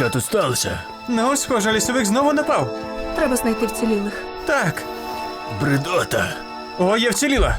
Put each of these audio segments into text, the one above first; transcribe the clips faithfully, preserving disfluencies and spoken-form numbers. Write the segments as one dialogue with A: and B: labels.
A: Що тут сталося?
B: Ну, схоже, лісовик знову напав.
C: Треба знайти вцілілих.
B: Так.
A: Бредота.
B: О, я вціліла.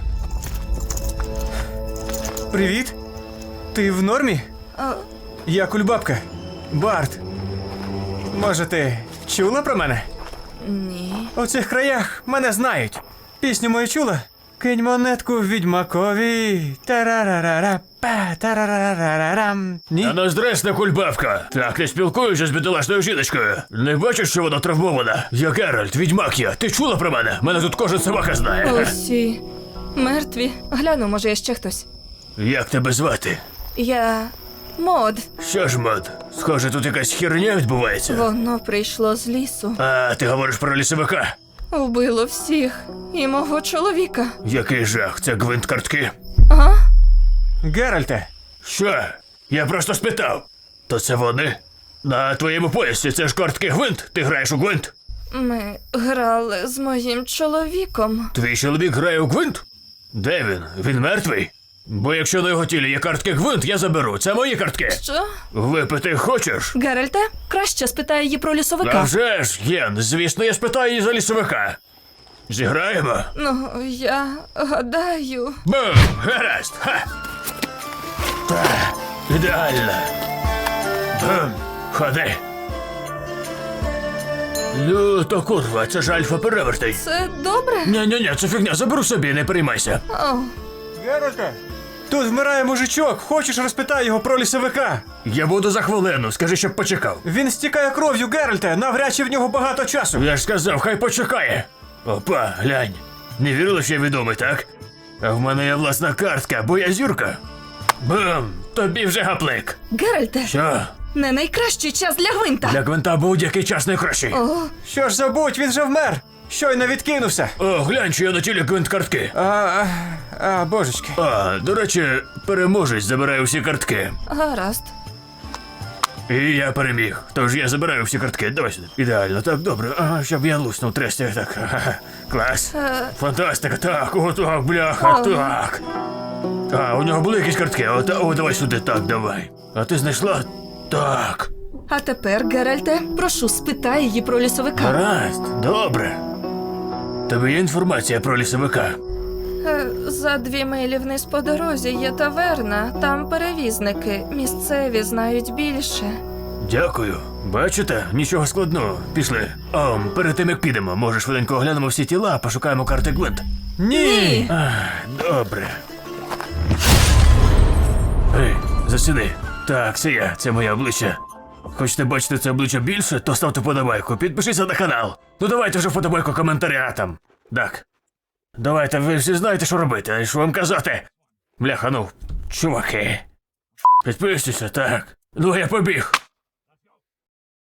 B: Привіт. Ти в нормі?
C: А,
B: Я кульбабка. Барт. Може, ти чула про мене?
C: ні.
B: У цих краях мене знають. Пісню мою чула? Кинь монетку відьмакові. Тарарарара, па, тарарарарам. Ні?
A: А нас дресна кульбавка. Так не спілкуюся з бідолашною жіночкою. Не бачиш, що вона травмована? Я Геральт, відьмак я. Ти чула про мене? Мене тут кожен собака знає.
C: Усі мертві. Гляну, може, є ще хтось.
A: Як тебе звати?
C: Я... Мод.
A: Що ж, Мод? Схоже, тут якась херня відбувається.
C: Воно прийшло з лісу.
A: А, ти говориш про лісовика?
C: Вбило всіх. І мого чоловіка.
A: Який жах, це гвинт картки.
C: А?
B: Геральте.
A: Що? Я просто спитав. То це вони? На твоєму поясі це ж картки гвинт? Ти граєш у гвинт?
C: Ми грали з моїм чоловіком.
A: Твій чоловік грає у гвинт? Де він? Він мертвий? Бо якщо на його тілі є картки гвинт, я заберу. Це мої картки.
C: Що?
A: Випити хочеш?
C: Геральте, краще спитай її про
A: А
C: лісовика.
A: вже ж, Єн, звісно, я спитаю її за лісовика. Зіграємо?
C: Ну, я гадаю.
A: Бум! Гаразд! Ха! Та, ідеально. Бум! Ходи. Ну, то курва, це ж альфа-перевертий.
C: Це добре?
A: Ня-ня-ня, це фігня, заберу собі, не переймайся.
C: О,
B: Геральте. Тут вмирає мужичок. Хочеш, розпитай його про лісовика?
A: Я буду за хвилину, скажи, щоб почекав.
B: Він стікає кров'ю, Геральте. Навряд чи в нього багато часу.
A: Я ж сказав, хай почекає. Опа, глянь. Не вірили, що я відомий, так? А в мене є власна картка, бо я зірка. Бум! Тобі вже гаплик.
C: Геральте,
A: Що?
C: не найкращий час для гвинта.
A: Для гвинта будь-який час найкращий.
C: О,
B: Що ж забудь, він же вмер. Щойно відкинувся.
A: О, глянь, що я на тілі гвинт картки.
B: А, а, а, божечки.
A: А, до речі, переможець забирає усі картки.
C: гаразд.
A: І я переміг. Тож я забираю всі картки. Давай сюди. Ідеально, так, добре. Ага, щоб я луснув тресті. Так, ага. Клас.
C: Е.
A: Фантастика, так, о, так, бляха,
C: О.
A: так. А, у нього були якісь картки. О, та, о, давай сюди, так, давай. А ти знайшла? Так.
C: А тепер, Геральте, прошу, спитай її про лісовика.
A: Гаразд, добре. Тобі є інформація про лісовика?
C: Е, За дві милі вниз по дорозі є таверна. Там перевізники. Місцеві знають більше.
A: Дякую. Бачите, нічого складного. Пішли. О, перед тим як підемо, може швиденько оглянемо всі тіла, пошукаємо карти гвинт.
B: Ні.
A: Ах, добре. Ей, засіди. Так, це я, це моє обличчя. Хочете бачити це обличчя більше, то ставте вподобайку, підпишіться на канал. Ну давайте вже вподобайку коментаря там. Так. Давайте, ви всі знаєте, що робити, а що вам казати? Бляха, ну, чуваки. Підписуйся, так. Ну я побіг.